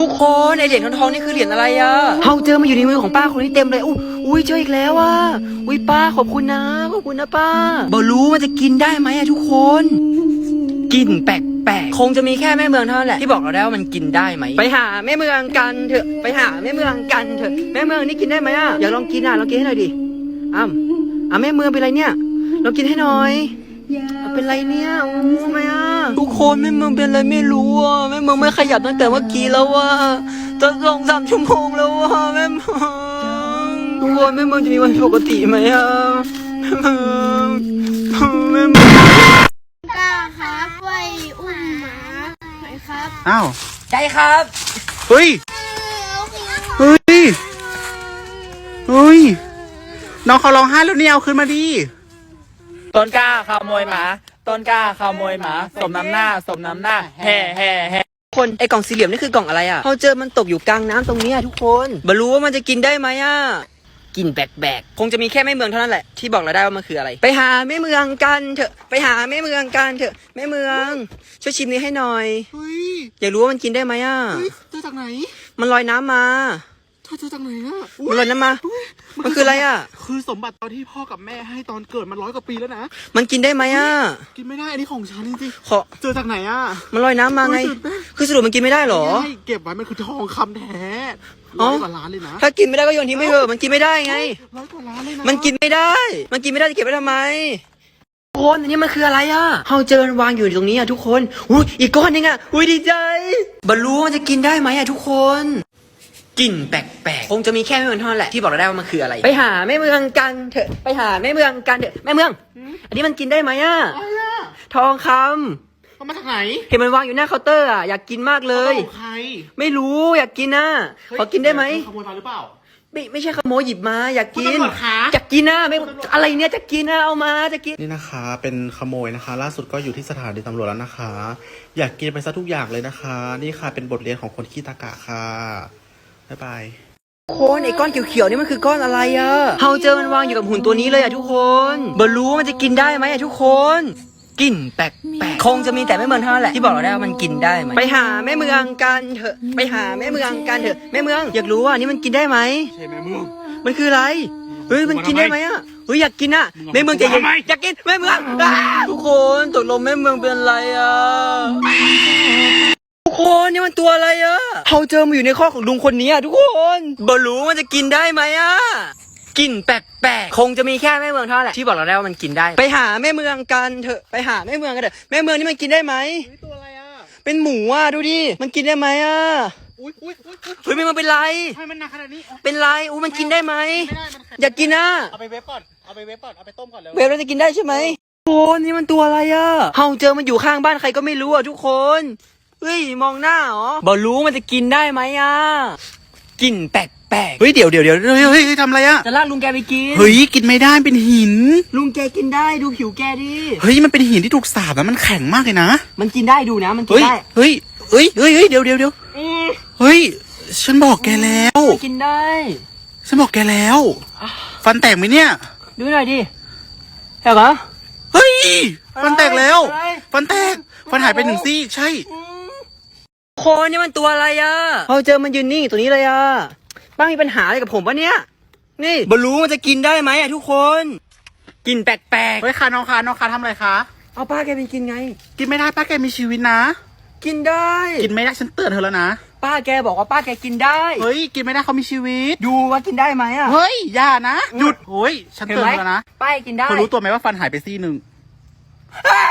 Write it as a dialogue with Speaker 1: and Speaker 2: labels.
Speaker 1: ทุกคนไอเหรียญทองนี่คือเหรียญอะไรอะเฮาเจอมาอยู่ในมือของป้าคนนี้เต็มเลยอุ้ยเจออีกแล้วอะอุ้ยป้าขอบคุณนะป้าบอรู้มันจะกินได้ไหมอะทุกคนกินแปลกๆคงจะมีแค่แม่เมืองเท่านั้นแหละที่บอกเราได้ว่ามันกินได้ไหมไปหาแม่เมืองกันเถอะไปหาแม่เมืองกันเถอะแม่เมืองนี่กินได้ไหมอะอยากลองกินอะลองกินให้หน่อยดิแม่เมืองเป็นไรเนี่ยลองกินให้หน่อยเป็นไรเนี่ยรู้ไหมอ่ะทุกคนแม่เมืองเป็นอะไรไม่รู้อ่ะแม่เมืองไม่ขยับตั้งแต่เมื่อกี้แล้วว่ะจะ2-3 ชั่วโมงแล้วว่ะแม่เมืองทุกคนแม่เมืองจะมีวันปกติไหมอ่ะแม่เมือง
Speaker 2: กล้าครับไปอุ้มหมาไหมครับ
Speaker 3: อ้าว
Speaker 1: ใจครับ
Speaker 3: เฮ้ยน้องเขาร้องไห้แล้วเนี่ยเอาขึ้นมาดิ
Speaker 4: ต้นกล้าขโมยหมาต้นกล้าขโมยหมาสมน้ำหน้าแฮ่
Speaker 1: คนไอกล่องสี่เหลี่ยมนี่คือกล่องอะไรอ่ะเขาเจอมันตกอยู่กลางน้ำตรงนี้ทุกคนไม่รู้ว่ามันจะกินได้ไหมอ่ะกินแปลกๆคงจะมีแค่แม่เมืองเท่านั้นแหละที่บอกเราได้ว่ามันคืออะไรไปหาแม่เมืองกันเถอะไปหาแม่เมืองกันเถอะแม่เมืองช่วยชิมนี้ให้หน่อยอยากรู้ว่ามันกินได้ไหมอ่ะ
Speaker 3: เจอจากไหน
Speaker 1: มันลอยน้ำมา
Speaker 3: เจอจากไหนอ่ะ
Speaker 1: มันลอยน้ำมามันคืออะไรอ่ะ
Speaker 3: คือสมบัติตอนที่พ่อกับแม่ให้ตอนเกิดมัน100 กว่าปีแล้วนะ
Speaker 1: มันกินได้ไหมอ่ะ
Speaker 3: กินไม่ได้อันนี้ของฉันจริง
Speaker 1: ๆ
Speaker 3: เจอจากไหนอ่ะ
Speaker 1: มันลอยน้ำมาไงคือสรุปมันกินไม่ได้หรอ
Speaker 3: เก็บไว้มันคือทองคำแท้100 กว่าล้านเลยนะ
Speaker 1: ถ้ากินไม่ได้ก็โยนทิ้งไปเถอะมันกินไม่ได้ไง
Speaker 3: 100 กว่าล้านเลยนะ
Speaker 1: มันกินไม่ได้จะเก็บไว้ทำไมทุกคนอันนี้มันคืออะไรอ่ะเฮาเจอวางอยู่ตรงนี้อ่ะทุกคนอีกก้อนนึงอ่ะดีใจบรรลุว่าจะกินได้ไหมอ่ะทุกคนกลิ่นแปลกๆคงจะมีแค่แม่เมืองเท่านั้นแหละที่บอกเราได้ว่ามันคืออะไรไปหาแม่เมืองกันเถอะไปหาแม่เมืองกันเถอะแม่เมืองอันนี้มันกินได้ไหมอ่ะทองคำ
Speaker 3: มันมาจากไหน
Speaker 1: เห็นมันวางอยู่หน้าเคาน์เตอร์อ่ะอยากกินมากเลย
Speaker 3: ของใคร
Speaker 1: ไม่รู้อยากกินนะขอกินได้ไหม
Speaker 3: ขโมยมาหรือเปล่า
Speaker 1: ไม่ใช่ขโมยหยิบมาอยากกินอยากกินนะไม่อะไรเนี่ยจะกินนะเอามาจะกิน
Speaker 3: นี่นะคะเป็นขโมยนะคะล่าสุดก็อยู่ที่สถานีตำรวจแล้วนะคะอยากกินไปซะทุกอย่างเลยนะคะนี่ค่ะเป็นบทเรียนของคนขี้ตะกะค่ะบ๊ายบาย
Speaker 1: คนไอ้ก้อนเขียวๆนี่มันคือก้อนอะไรอะเฮาเจอมันวางอยู่กับหุ่นตัวนี้เลยอะทุกคนบรรลุมันจะกินได้ไหมอะทุกคนกลิ่นแปลกๆคงจะมีแต่แม่เมืองเท่านั้นแหละที่บอกเราได้ว่ามันกินได้ไหมไปหาแม่เมืองกันเถอะไปหาแม่เมืองกันเถอะแม่เมืองอยากรู้ว่านี่มันกินได้ไหม
Speaker 3: ใช่แม่เมือง
Speaker 1: มันคืออะไรมันกินได้ไหมอะอยากกินอะแม่เมืองใจเย็นอยากกินแม่เมืองทุกคนตกลงแม่เมืองเป็นอะไรอะทุกคนนี่มันตัวอะไรอะเฮาเจอมาอยู่ในข้อของลุงคนนี้อะทุกคนบอรู้มันจะกินได้ไหมอะกลิ่นแปลกๆคงจะมีแค่แม่เมืองเท่านั้นแหละที่บอกเราได้ว่ามันกินได้ไปหาแม่เมืองกันเถอะไปหาแม่เมืองกันเถอะแม่เมืองนี่มันกินได้ไหม
Speaker 3: ตัวอะไรอะ
Speaker 1: เป็นหมูอะดูดิมันกินได้ไหมอะมันเป็นไร
Speaker 3: ทำไมมันหนักขนาดนี้
Speaker 1: เป็นไรมันกินได้ไหมอยากกินนะ
Speaker 3: เอาไปเวฟก่อนเอาไปต้มก่อนเลย
Speaker 1: เวฟเราจะกินได้ใช่ไหมโอ้นี่มันตัวอะไรอะเฮาเจอมันอยู่ข้างบ้านใครก็ไม่รู้อะทุกคนมองหน้าเหรอบอรู้มันจะกินได้ไหมอะกลิ่นแปลก
Speaker 3: เดี๋ยวทำอะไรอะ
Speaker 1: จะลากลุงแกไปกิน
Speaker 3: กินไม่ได้เป็นหิน
Speaker 1: ลุงแกกินได้ดูผิวแกดิ
Speaker 3: มันเป็นหินที่ถูกสาบแล้วมันแข็งมากเลยนะ
Speaker 1: มันกินได้ดูนะมันกินได้
Speaker 3: เดี๋ยวฉันบอกแกแล้ว
Speaker 1: กินได้
Speaker 3: ฉันบอกแกแล้วฟันแตกไหมเนี่ย
Speaker 1: ดูหน่อยดิเห็นปะ
Speaker 3: ฟันแตกแล้วฟันแตกฟันหายไป1 ซี่ใช่
Speaker 1: โคนี่มันตัวอะไรอ่ะพอเจอมันยืนนิ่งตัวนี้เลยอ่ะป้ามีปัญหาอะไรกับผมปะเนี่ยนี่บรรลุมันจะกินได้ไหมอ่ะทุกคนกินแปลก
Speaker 3: ๆค่ะน้องคะทำอะไรคะ
Speaker 1: เอาป้าแกเป็นกินไง
Speaker 3: กินไม่ได้ป้าแกมีชีวิตนะ
Speaker 1: กินได้
Speaker 3: กินไม่ได้ฉันเตือนเธอแล้วนะ
Speaker 1: ป้าแกบอกว่าป้าแกกินได้
Speaker 3: กินไม่ได้เขามีชีวิต
Speaker 1: ดูว่ากินได้ไหมอ่ะ
Speaker 3: อย่านะหยุดฉันเตือนแล้วนะ
Speaker 1: ป้ากินได้
Speaker 3: เธอรู้ตัวไหมว่าฟันหายไปซี่ 1